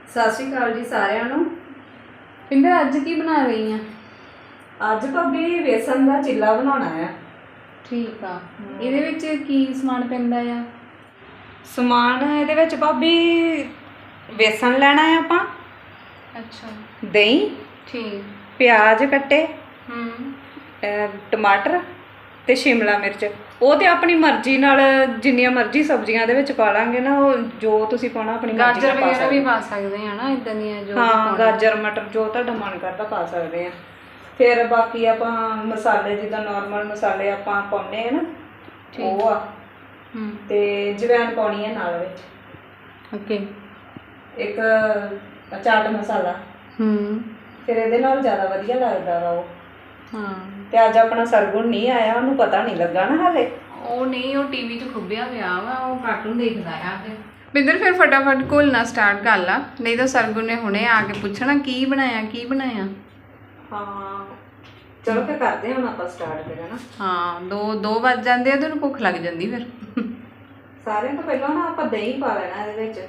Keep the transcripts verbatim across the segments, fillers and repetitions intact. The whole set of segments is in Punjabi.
ਸਤਿ ਸ਼੍ਰੀ ਅਕਾਲ ਜੀ ਸਾਰਿਆਂ ਨੂੰ। ਪਿੰਦਰ ਅੱਜ ਕੀ ਬਣਾ ਰਹੀ ਆ? ਅੱਜ ਭਾਬੀ ਵੇਸਣ ਦਾ ਚਿੱਲਾ ਬਣਾਉਣਾ ਆ। ਠੀਕ ਆ। ਇਹਦੇ ਵਿੱਚ ਕੀ ਸਮਾਨ ਪੈਂਦਾ ਆ? ਸਮਾਨ ਇਹਦੇ ਵਿੱਚ ਭਾਬੀ ਵੇਸਣ ਲੈਣਾ ਹੈ ਆਪਾਂ। ਅੱਛਾ। ਦਹੀਂ, ਠੀਕ। ਪਿਆਜ਼ ਕੱਟੇ, ਹੂੰ, ਟਮਾਟਰ ਤੇ ਸ਼ਿਮਲਾ ਮਿਰਚ। ਉਹ ਤੇ ਆਪਣੀ ਮਰਜ਼ੀ ਨਾਲ ਜਿੰਨੀਆਂ ਮਰਜ਼ੀ ਸਬਜ਼ੀਆਂ ਇਹਦੇ ਵਿੱਚ ਪਾ ਲਾਂਗੇ ਨਾ, ਉਹ ਜੋ ਤੁਸੀਂ ਪਾਉਣਾ ਆਪਣੀ ਮਰਜ਼ੀ ਨਾਲ ਪਾ ਗਾਜਰ ਸਕਦੇ ਵੀ ਪਾ ਸਕਦੇ ਆ ਨਾ, ਇਦਾਂ ਦੀਆਂ ਜੋ ਹਾਂ, ਗਾਜਰ ਮਟਰ ਜੋ ਤੁਹਾਡਾ ਮਨ ਕਰਦਾ ਪਾ ਸਕਦੇ ਆ। ਫਿਰ ਬਾਕੀ ਆਪਾਂ ਮਸਾਲੇ ਜਿੱਦਾਂ ਨਾਰਮਲ ਮਸਾਲੇ ਆਪਾਂ ਪਾਉਂਦੇ ਆ ਨਾ, ਉਹ ਆ। ਹੂੰ, ਤੇ ਜਵੈਣ ਪਾਉਣੀ ਹੈ ਨਾਲ ਵਿੱਚ। ਓਕੇ। ਇੱਕ ਚਾਟ ਮਸਾਲਾ। ਹੂੰ, ਫਿਰ ਇਹਦੇ ਨਾਲ ਜ਼ਿਆਦਾ ਵਧੀਆ ਲੱਗਦਾ ਵਾ ਉਹ। ਹਾਂ। ਤੇ ਅੱਜ ਆਪਣਾ ਸਰਗੁਣ ਨਹੀਂ ਆਇਆ, ਉਹਨੂੰ ਪਤਾ ਨਹੀਂ ਲੱਗਾ ਨਾ ਹਾਲੇ। ਉਹ ਨਹੀਂ, ਉਹ ਟੀਵੀ 'ਚ ਖੁੱਬਿਆ ਪਿਆ ਵਾ, ਉਹ ਕਾਰਟੂਨ ਦੇਖਦਾ ਆ। ਫਿਰ ਪਿੰਦਰ ਫਿਰ ਫਟਾਫਟ ਘੋਲਣਾ ਸਟਾਰਟ ਕਰ ਲਾ, ਨਹੀਂ ਤਾਂ ਸਰਗੁਣ ਨੇ ਹੁਣੇ ਆ ਕੇ ਪੁੱਛਣਾ ਕੀ ਬਣਾਇਆ ਕੀ ਬਣਾਇਆ। ਹਾਂ ਚਲੋ ਫਿਰ ਕਰਦੇ ਹਾਂ ਹੁਣ ਆਪਾਂ ਸਟਾਰਟ ਫਿਰ, ਹਨਾ। ਹਾਂ, ਦੋ ਦੋ ਵੱਜ ਜਾਂਦੇ ਆ ਤੇ ਉਹਨੂੰ ਭੁੱਖ ਲੱਗ ਜਾਂਦੀ ਫਿਰ। ਸਾਰਿਆਂ ਤੋਂ ਪਹਿਲਾਂ ਨਾ ਆਪਾਂ ਦਹੀਂ ਪਾ ਲੈਣਾ ਇਹਦੇ ਵਿੱਚ।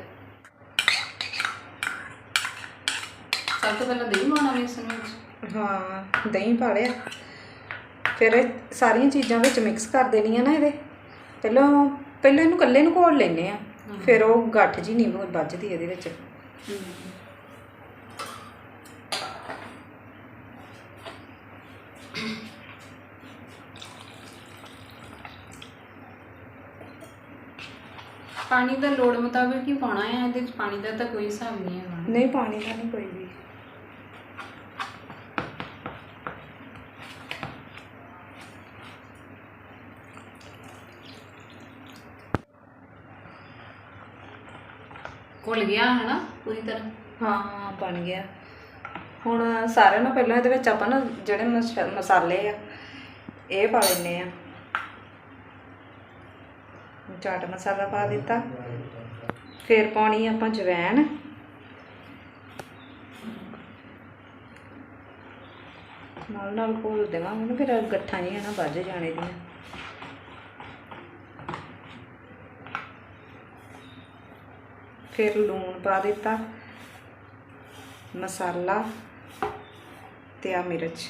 ਸਭ ਤੋਂ ਪਹਿਲਾਂ ਦਹੀਂ ਪਾਉਣਾ ਵੇਸਣ ਵਿੱਚ। ਹਾਂ, ਦਹੀਂ ਪਾ ਲਿਆ। ਫਿਰ ਇਹ ਸਾਰੀਆਂ ਚੀਜ਼ਾਂ ਵਿੱਚ ਮਿਕਸ ਕਰ ਦੇਣੀਆਂ ਨਾ ਇਹਦੇ। ਪਹਿਲਾਂ ਪਹਿਲਾਂ ਇਹਨੂੰ ਇਕੱਲੇ ਨੂੰ ਘੋਲ ਲੈਂਦੇ ਆ, ਫਿਰ ਉਹ ਗੱਠ ਜੀ ਨਹੀਂ ਵੱਜਦੀ ਇਹਦੇ ਵਿੱਚ। ਪਾਣੀ ਦਾ ਲੋੜ ਮੁਤਾਬਿਕ ਹੀ ਪਾਉਣਾ ਹੈ, ਇਹਦੇ ਵਿੱਚ ਪਾਣੀ ਦਾ ਤਾਂ ਕੋਈ ਹਿਸਾਬ ਨਹੀਂ ਹੈਗਾ। ਨਹੀਂ, ਪਾਣੀ ਦਾ ਨਹੀਂ ਕੋਈ ਵੀ। ਘੁਲ ਗਿਆ ਹੈ ਨਾ ਪੂਰੀ ਤਰ੍ਹਾਂ? ਹਾਂ, ਬਣ ਗਿਆ। ਹੁਣ ਸਾਰਿਆਂ ਨਾਲੋਂ ਪਹਿਲਾਂ ਇਹਦੇ ਵਿੱਚ ਆਪਾਂ ਨਾ ਜਿਹੜੇ ਮਸ ਮਸਾਲੇ ਆ ਇਹ ਪਾ ਲੈਂਦੇ ਆ। ਚਾਟ ਮਸਾਲਾ ਪਾ ਦਿੱਤਾ। ਫਿਰ ਪਾਉਣੀ ਆਪਾਂ ਜਵੈਣ, ਨਾਲ ਨਾਲ ਘੋਲ ਦੇਵਾਂਗੇ ਨਾ, ਫਿਰ ਗੱਠਾਂ ਜਿਹੀਆਂ ਨਾ ਵੱਜ ਜਾਣੇ ਦੀਆਂ। ਫਿਰ ਲੂਣ ਪਾ ਦਿੱਤਾ, ਮਸਾਲਾ ਤੇ ਆ ਮਿਰਚ।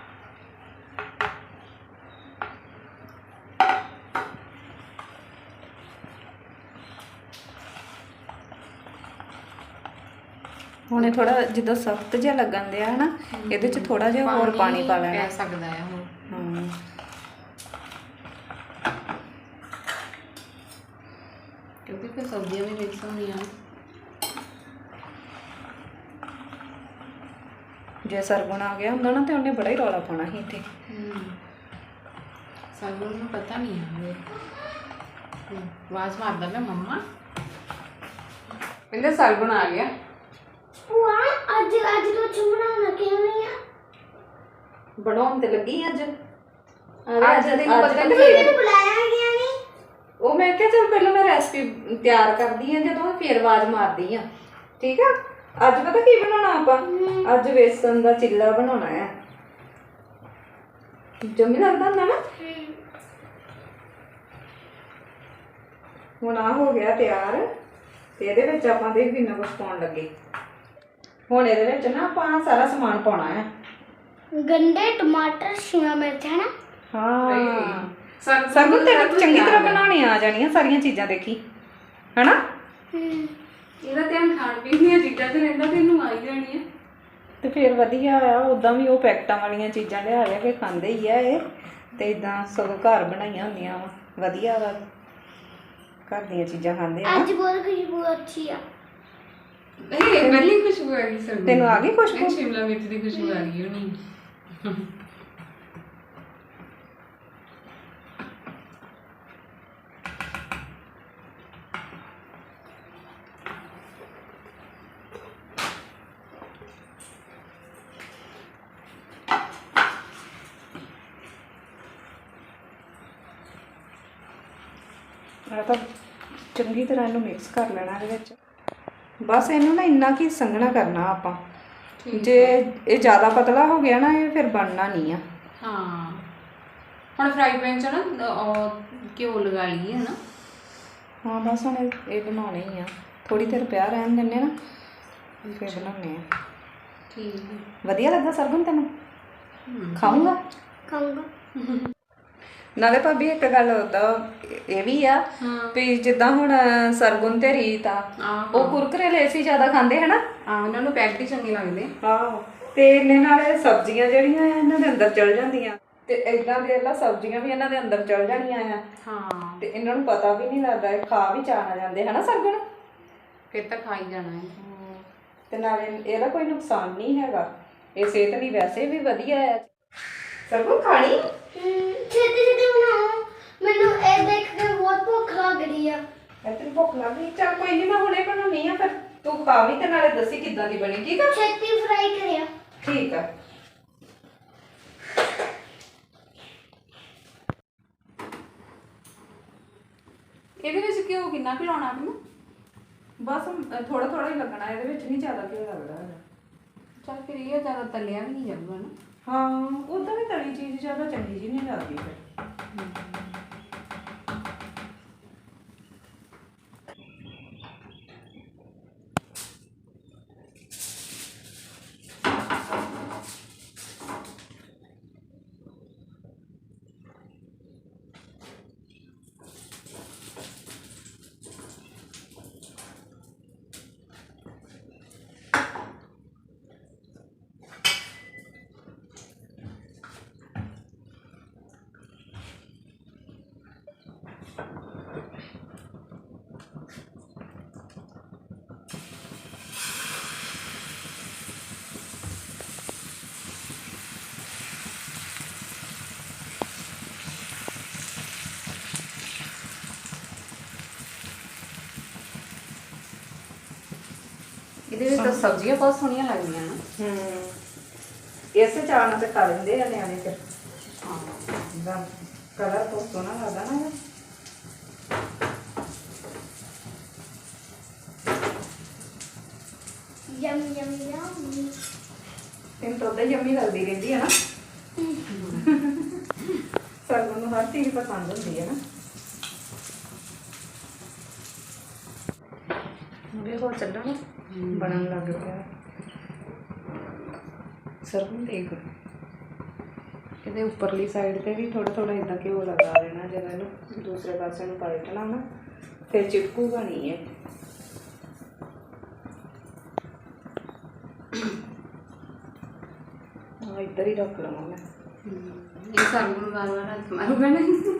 ਹੁਣ ਇਹ ਥੋੜਾ ਜਿੱਦਾਂ ਸਖਤ ਜਿਹਾ ਲੱਗਣ ਦਿਆ ਹੈ ਨਾ, ਇਹਦੇ ਚ ਥੋੜਾ ਜਿਹਾ ਹੋਰ ਪਾਣੀ ਪਾ ਲੈਣਾ। ਪੈ ਸਕਦਾ ਹੈ ਹੁਣ। ਹਾਂ, ਕਿਉਂਕਿ ਫਿਰ ਸਬਜ਼ੀਆਂ ਵੀ ਮਿਕਸ ਹੋਣੀਆਂ। ਜੇ ਸਰਗੁਣ ਆ ਗਿਆ ਹੁੰਦਾ ਨਾ ਤੇ ਉਹਨੇ ਬੜਾ ਹੀ ਰੌਲਾ ਪਾਉਣਾ ਸੀ ਇੱਥੇ। ਸਰਗੁਣ ਨੂੰ ਪਤਾ ਨਹੀਂ ਹੈ। ਆਵਾਜ਼ ਮਾਰਦਾ ਪਿਆ ਮੰਮਾ। ਕਹਿੰਦੇ ਸਰਗੁਣ ਆ ਗਿਆ। ਅੱਜ ਅੱਜ ਤੋਂ ਚੁੰਮਣਾ ਕਿਉਂ ਨਹੀਂ ਆ? ਬਣਾਉਣ ਤੇ ਲੱਗੀ ਅੱਜ। ਅੱਜ ਤੈਨੂੰ ਪਤਾ ਨਹੀਂ ਮੈਨੂੰ ਬੁਲਾਇਆ ਗਿਆ ਨਹੀਂ। ਉਹ ਮੈਂ ਕਿਹਾ ਚਲ ਪਹਿਲਾਂ ਮੈਂ ਰੈਸਪੀ ਤਿਆਰ ਕਰਦੀ ਹਾਂ, ਜਦੋਂ ਫਿਰ ਆਵਾਜ਼ ਮਾਰਦੀ ਆ। ਠੀਕ ਆ। ਅੱਜ ਪਤਾ ਕੀ ਬਣਾਉਣਾ ਆਪਾਂ? ਅੱਜ ਵੇਸਣ ਦਾ ਚਿੱਲਾ ਬਣਾਉਣਾ ਹੈ। ਜੰਮੀ ਲੱਗਦਾ ਹੁੰਦਾ ਨਾ। ਹੁਣ ਆ ਹੋ ਗਿਆ ਤਿਆਰ ਤੇ ਇਹਦੇ ਵਿੱਚ ਆਪਾਂ ਦੇਖ ਕਿੰਨਾ ਕੁਛ ਪਾਉਣ ਲੱਗੇ। ਹੁਣ ਇਹਦੇ ਵਿੱਚ ਨਾ ਆਪਾਂ ਸਾਰਾ ਸਮਾਨ ਪਾਉਣਾ ਹੈ। ਗੰਡੇ, ਟਮਾਟਰ, ਸ਼ਿਮਲਾ ਮਿਰਚ ਹੈ ਨਾ। ਹਾਂ, ਸਰਗੁਣ ਤੈਨੂੰ ਚੰਗੀ ਤਰ੍ਹਾਂ ਬਣਾਉਣੀ ਆ ਜਾਣੀਆਂ ਸਾਰੀਆਂ ਚੀਜ਼ਾਂ, ਦੇਖੀ ਹਨਾ। ਇਹਦਾ ਧਿਆਨ ਖਾਣ ਪੀਣ ਦੀਆਂ ਚੀਜ਼ਾਂ ਤੇ ਰਹਿੰਦਾ, ਤੈਨੂੰ ਆਈ ਜਾਣੀ ਹੈ ਤੇ ਫਿਰ ਵਧੀਆ ਆ। ਉਦਾਂ ਵੀ ਉਹ ਪੈਕਟਾਂ ਵਾਲੀਆਂ ਚੀਜ਼ਾਂ ਲਿਆ ਲਿਆ ਕੇ ਖਾਂਦੇ ਹੀ ਆ ਇਹ, ਤੇ ਇਦਾਂ ਸਗੋਂ ਘਰ ਬਣਾਈਆਂ ਹੁੰਦੀਆਂ ਵਾ ਵਧੀਆ ਵਾ। ਘਰ ਦੀਆਂ ਚੀਜ਼ਾਂ ਖਾਂਦੇ ਆ। ਅੱਜ ਬਹੁਤ ਖੁਸ਼ਬੂ ਅੱਛੀ ਆ। ਨਹੀਂ, ਪਹਿਲੀ ਖੁਸ਼ਬੂ ਆ ਗਈ ਸਰਗੁਣ। ਤੈਨੂੰ ਆ ਗਈ ਖੁਸ਼ਬੂ? ਸ਼ਿਮਲਾ ਮਿਰਚ ਦੀ ਖੁਸ਼ਬੂ ਆ ਗਈ ਹੋਣੀ। ਆ ਤਾਂ ਚੰਗੀ ਤਰ੍ਹਾਂ ਇਹਨੂੰ ਮਿਕਸ ਕਰ ਲੈਣਾ ਇਹਦੇ ਵਿੱਚ। ਬਸ ਇਹਨੂੰ ਨਾ ਇੰਨਾ ਕੀ ਸੰਘਣਾ ਕਰਨਾ ਆਪਾਂ। ਜੇ ਇਹ ਜ਼ਿਆਦਾ ਪਤਲਾ ਹੋ ਗਿਆ ਨਾ, ਇਹ ਫਿਰ ਬਣਨਾ ਨਹੀਂ ਆ। ਹਾਂ, ਹੁਣ ਫਰਾਈ ਪੈਨ 'ਚ ਨਾ ਉਹ ਘਿਓ ਲਗਾ ਲਈਏ ਹੈ ਨਾ। ਹਾਂ ਬਸ ਹੁਣ ਇਹ ਬਣਾਉਣੇ ਹੀ ਆ। ਥੋੜੀ ਦੇਰ ਪਿਆ ਰਹਿਣ ਦਿੰਦੇ ਨਾ, ਫਿਰ ਬਣਾਉਂਦੇ ਆ। ਠੀਕ ਹੈ। ਵਧੀਆ ਲੱਗਾ ਸਰਗੁਣ ਤੈਨੂੰ? ਖਾਊਂਗਾ ਖਾਊਂਗਾ। ਨਾਲੇ ਭਾਬੀ ਇੱਕ ਗੱਲ ਉਹਦਾ ਇਹ ਵੀ ਆ ਵੀ ਜਿੱਦਾਂ ਹੁਣ ਸਰਗੁਣ ਤੇ ਰੀਤ ਆ ਉਹ ਕੁਰਕਰੇ ਲੇਸੀ ਜ਼ਿਆਦਾ ਖਾਂਦੇ ਹਨਾ। ਆ ਉਹਨਾਂ ਨੂੰ ਪੈਕਟ ਹੀ ਚੰਗੇ ਲੱਗਦੇ। ਆਹੋ ਤੇ ਇਹਨੇ ਨਾਲੇ ਸਬਜ਼ੀਆਂ ਜਿਹੜੀਆਂ ਆ ਇਹਨਾਂ ਦੇ ਅੰਦਰ ਚਲ ਜਾਂਦੀਆਂ ਤੇ ਇਦਾਂ ਦੇ ਲਾ ਸਬਜ਼ੀਆਂ ਵੀ ਇਹਨਾਂ ਦੇ ਅੰਦਰ ਚਲ ਜਾਣੀਆਂ ਆ। ਹਾਂ ਤੇ ਇਹਨਾਂ ਨੂੰ ਪਤਾ ਵੀ ਨਹੀਂ ਲੱਗਦਾ ਇਹ ਖਾ ਵੀ ਚਾਹ ਜਾਂਦੇ ਹਨਾ ਸਰਗੁਣ। ਫਿਰ ਤਾਂ ਖਾ ਹੀ ਜਾਣਾ ਹੈ। ਤੇ ਨਾਲੇ ਇਹਦਾ ਕੋਈ ਨੁਕਸਾਨ ਨਹੀਂ ਹੈਗਾ, ਇਹ ਸਿਹਤ ਲਈ ਵੈਸੇ ਵੀ ਵਧੀਆ ਹੈ। ਸਰਗੁਣ ਖਾਣੀ ਛੇਤੀ ਛੇਤੀ ਬਣਾਓ, ਮੈਨੂੰ ਇਹ ਦੇਖ ਕੇ ਬਹੁਤ ਭੁੱਖ ਲੱਗ ਰਹੀ ਆ। ਤੈਨੂੰ ਭੁੱਖ ਲੱਗ ਗਈ? ਚੱਲ ਕੋਈ ਨਹੀਂ, ਮੈਂ ਹੁਣੇ ਬਣਾਉਣੀ ਆ, ਫਿਰ ਤੂੰ ਖਾ ਵੀ ਤੇ ਨਾਲੇ ਦੱਸੀ ਕਿੱਦਾਂ ਦੀ ਬਣੀ। ਠੀਕ ਆ? ਛੇਤੀ ਫਰਾਈ ਕਰਿਆ। ਠੀਕ ਆ। ਇਹਦੇ ਵਿੱਚ ਘਿਓ ਕਿੰਨਾ ਕੁ ਲਾਉਣਾ ਆਪਨੂੰ? ਬਸ ਥੋੜਾ ਥੋੜਾ ਹੀ ਲੱਗਣਾ, ਇਹਦੇ ਵਿੱਚ ਨਹੀਂ ਜ਼ਿਆਦਾ ਘਿਓ ਲੱਗਦਾ ਹੈਗਾ। ਚੱਲ ਫਿਰ ਇਹ ਜ਼ਿਆਦਾ ਤਲਿਆ ਵੀ ਨਹੀਂ ਜਾਊਗਾ ਨਾ। ਹਾਂ ਉਦਾਂ ਵੀ ਤਲੀ ਚੀਜ਼ ਜ਼ਿਆਦਾ ਚੰਗੀ ਜੀ ਨਹੀਂ ਲੱਗਦੀ ਫਿਰ। ਇਹਦੇ ਵਿੱਚ ਤਾਂ ਸਬਜ਼ੀਆਂ ਬਹੁਤ ਸੋਹਣੀਆਂ ਲੱਗਦੀਆਂ ਨਾ। ਹੂੰ ਇਸੇ ਚਾਹ ਨਾਲ ਤੇ ਖਾ ਲੈਂਦੇ ਆ ਨਿਆਣੇ ਫਿਰ। ਹਾਂ ਦਾ ਕਲਰ ਬਹੁਤ ਸੋਹਣਾ ਲੱਗਦਾ ਨਾ। ਯਮ ਯਮ ਯਮ। ਤੈਨੂੰ ਤਾਂ ਉਦਾਂ ਹੀ ਯੰਮੀ ਲੱਗਦੀ ਰਹਿੰਦੀ ਹੈ ਨਾ। ਸਰਗੁਣ ਨੂੰ ਹਰ ਚੀਜ਼ ਪਸੰਦ ਹੁੰਦੀ ਹੈ ਨਾ। ਵੇਖੋ ਚੱਲਣਾ ਬਣਨ ਲੱਗ ਪਿਆ। ਸਰਗੁਣ ਦੇਖ ਇਹਦੇ ਉੱਪਰਲੀ ਸਾਈਡ ਤੇ ਵੀ ਥੋੜਾ ਥੋੜਾ ਇਦਾਂ ਘਿਓ ਲਗਾ ਦੇਣਾ। ਜਦੋਂ ਇਹਨੂੰ ਦੂਸਰੇ ਪਾਸੇ ਨੂੰ ਪਲਟਣਾ ਨਾ ਫਿਰ ਚਿਪਕੂਗਾ ਨਹੀਂ ਇਹ। ਹਾਂ ਇੱਧਰ ਹੀ ਰੱਖ ਲਵਾਂ ਮੈਂ। ਇਹ ਸਰਗੁਣ ਵਾਰ ਵਾਰ ਹੱਥ ਮਾਰੂਗਾ ਨਹੀਂ।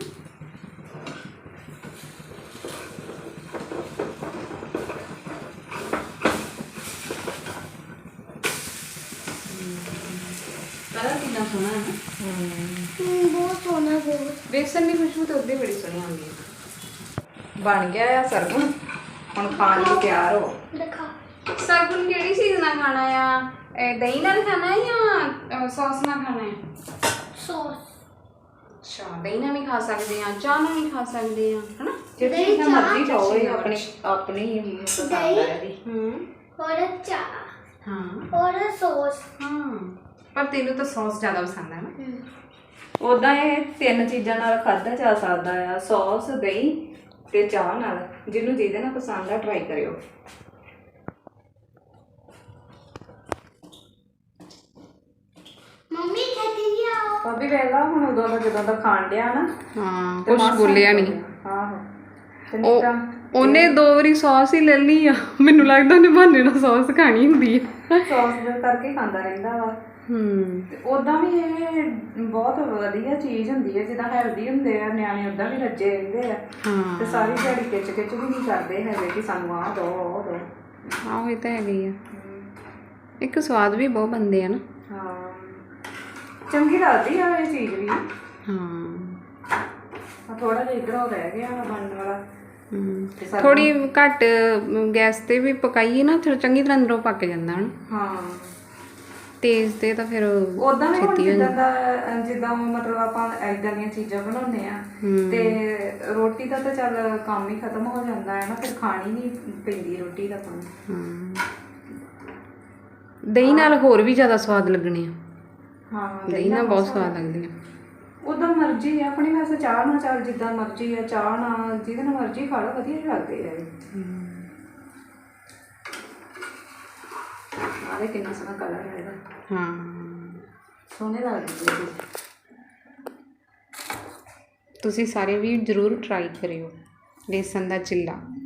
ਕਲਰ ਕਿੰਨਾ ਸੋਹਣਾ ਹੈ ਨਾ। ਹਮ, ਬਹੁਤ ਸੋਹਣਾ ਬਹੁਤ। ਬੇਸਨ ਦੀ ਖੁਸ਼ਬੂ ਤਾਂ ਉੱਦੇ ਬੜੀ ਸੋਹਣੀ ਆਉਂਦੀ ਹੈ। ਬਣ ਗਿਆ ਆ ਸਰਗੁਣ, ਹੁਣ ਖਾਣ ਲਈ ਤਿਆਰ ਹੋ। ਦਿਖਾ। ਸਰਗੁਣ ਕਿਹੜੀ ਚੀਜ਼ ਨਾਲ ਖਾਣਾ ਆ? ਇਹ ਦਹੀਂ ਨਾਲ ਖਾਣਾ ਹੈ ਜਾਂ ਸੌਸ ਨਾਲ ਖਾਣਾ ਹੈ? ਸੌਸ। ਅੱਛਾ ਦਹੀਂ ਨਾਲ ਵੀ ਖਾ ਸਕਦੇ ਆ, ਚਾਹ ਨਾਲ ਵੀ ਖਾ ਸਕਦੇ ਆ, ਹਨਾ? ਜਿਹੜੀ ਚੀਜ਼ ਮਰਜ਼ੀ ਖਾਓ, ਇਹ ਆਪਣੀ ਆਪਣੀ ਹੀ ਪਸੰਦ ਹੈ ਇਹਦੀ। ਹੂੰ और चाह ਹਾਂ और सॉस। ਹਾਂ ਪਰ ਤੈਨੂੰ ਤਾਂ ਸੌਸ ਜ਼ਿਆਦਾ ਪਸੰਦ ਹੈ ਨਾ। ਉਦਾਂ ਇਹ ਤਿੰਨ ਚੀਜ਼ਾਂ ਨਾਲ ਖਾਧਾ ਜਾ ਸਕਦਾ ਆ, ਸੌਸ, ਦਹੀਂ ਤੇ ਚਾਹ ਨਾਲ। ਜਿਹਨੂੰ ਜਿਹਦੇ ਨਾਲ ਪਸੰਦ ਆ ਟਰਾਈ ਕਰਿਓ। मम्मी कहती है आओ। ਭਾਬੀ ਵੇਲਾ ਹੁਣ ਉਦੋਂ ਦਾ ਜਦੋਂ ਦਾ ਖਾਣ ਡਿਆ ਨਾ ਹਾਂ ਤੇ ਕੁਛ ਮਾਸਾ ਬੋਲਿਆ ਨਹੀਂ। ਆਹੋ ਤੇ ਨਹੀਂ ਉਹ ਤਾਂ ਉਹਨੇ ਦੋ ਵਾਰੀ ਸੌਸ ਹੀ ਲੈ ਲਈ ਆ। ਮੈਨੂੰ ਲੱਗਦਾ ਉਹਨੇ ਬਹਾਨੇ ਨਾਲ ਸੌਸ ਖਾਣੀ ਹੁੰਦੀ ਹੈ। ਸੌਸ ਦੇ ਕਰਕੇ ਹੀ ਖਾਂਦਾ ਰਹਿੰਦਾ ਵਾ। ਹੂੰ ਤੇ ਉਦਾਂ ਵੀ ਇਹ ਬਹੁਤ ਵਧੀਆ ਚੀਜ਼ ਹੁੰਦੀ ਹੈ, ਜਿੱਦਾਂ ਹੈਲਦੀ ਹੁੰਦੇ ਆ ਨਿਆਣੇ ਉਦਾਂ ਵੀ ਰੱਜੇ ਰਹਿੰਦੇ ਆ। ਹਾਂ ਤੇ ਸਾਰੀ ਦਿਹਾੜੀ ਖਿੱਚ ਖਿੱਚ ਵੀ ਨਹੀਂ ਕਰਦੇ ਹੈਗੇ ਕਿ ਸਾਨੂੰ ਆਹ ਦਿਓ ਉਹ ਦਿਓ। ਆਹੋ ਇਹ ਤਾਂ ਹੈਗੀ ਆ। ਇੱਕ ਸਵਾਦ ਵੀ ਬਹੁਤ ਬਣਦੇ ਆ ਨਾ। ਹਾਂ ਚੰਗੀ ਲੱਗਦੀ ਆ ਇਹ ਚੀਜ਼ ਵੀ। ਹਾਂ ਥੋੜਾ ਜਿਹਾ ਇੱਧਰੋਂ ਰਹਿ ਗਿਆ ਬਣਨ ਵਾਲਾ। ਤੇ ਸਾਡਾ- ਥੋੜੀ ਘੱਟ ਗੈਸ ਤੇ ਵੀ ਪਕਾਈਏ ਨਾ ਫਿਰ ਚੰਗੀ ਤਰ੍ਹਾਂ ਅੰਦਰੋਂ ਪੱਕ ਜਾਂਦਾ ਹਨ। ਹਾਂ ਤੇਜ਼ ਤੇ ਤਾਂ ਫਿਰ ਉਦਾਂ ਵੀ ਹੁਣ ਛੇਤੀ ਹੋ ਜਿੱਦਾਂ ਜਾਂਦਾ। ਦਾ ਜਿੱਦਾਂ ਮਤਲਬ ਆਪਾਂ ਏਦਾਂ ਦੀਆਂ ਚੀਜ਼ਾਂ ਬਣਾਉਂਦੇ ਆ ਹੂੰ। ਤੇ ਰੋਟੀ ਦਾ ਤਾਂ ਚੱਲ ਕੰਮ ਹੀ ਖਤਮ ਹੋ ਜਾਂਦਾ ਹੈ ਨਾ, ਫਿਰ ਖਾਣੀ ਨਹੀਂ ਪੈਂਦੀ ਰੋਟੀ ਦਾ ਕੰਮ। ਹਾਂ ਦਹੀਂ ਨਾਲ ਹੋਰ ਵੀ ਜ਼ਿਆਦਾ ਸਵਾਦ ਲੱਗਣੇ ਆ। ਹਾਂ ਦਹੀਂ ਨਾਲ ਬਹੁਤ ਸਵਾਦ ਲੱਗਦੀ ਆ। ਉਦਾਂ ਮਰਜ਼ੀ ਆ ਆਪਣੀ, ਵੈਸੇ ਚਾਹ ਨਾਲ ਚੱਲ ਜਿੱਦਾਂ ਮਰਜ਼ੀ ਆ, ਚਾਹ ਨਾਲ ਜਿਹਦੇ ਨਾਲ ਮਰਜ਼ੀ ਖਾ ਲਓ, ਵਧੀਆ ਹੀ ਲੱਗਦੇ ਆ ਇਹ। ਆਹ ਕਿੰਨਾ ਸੋਹਣਾ ਕਲਰ ਹੈ ਇਹਦਾ। ਹਾਂ ਸੋਹਣੇ ਲੱਗਦੇ ਨੇ। ਤੁਸੀਂ ਸਾਰੇ ਵੀ ਜ਼ਰੂਰ ਟਰਾਈ ਕਰਿਓ ਬੇਸਨ ਦਾ ਚਿੱਲਾ।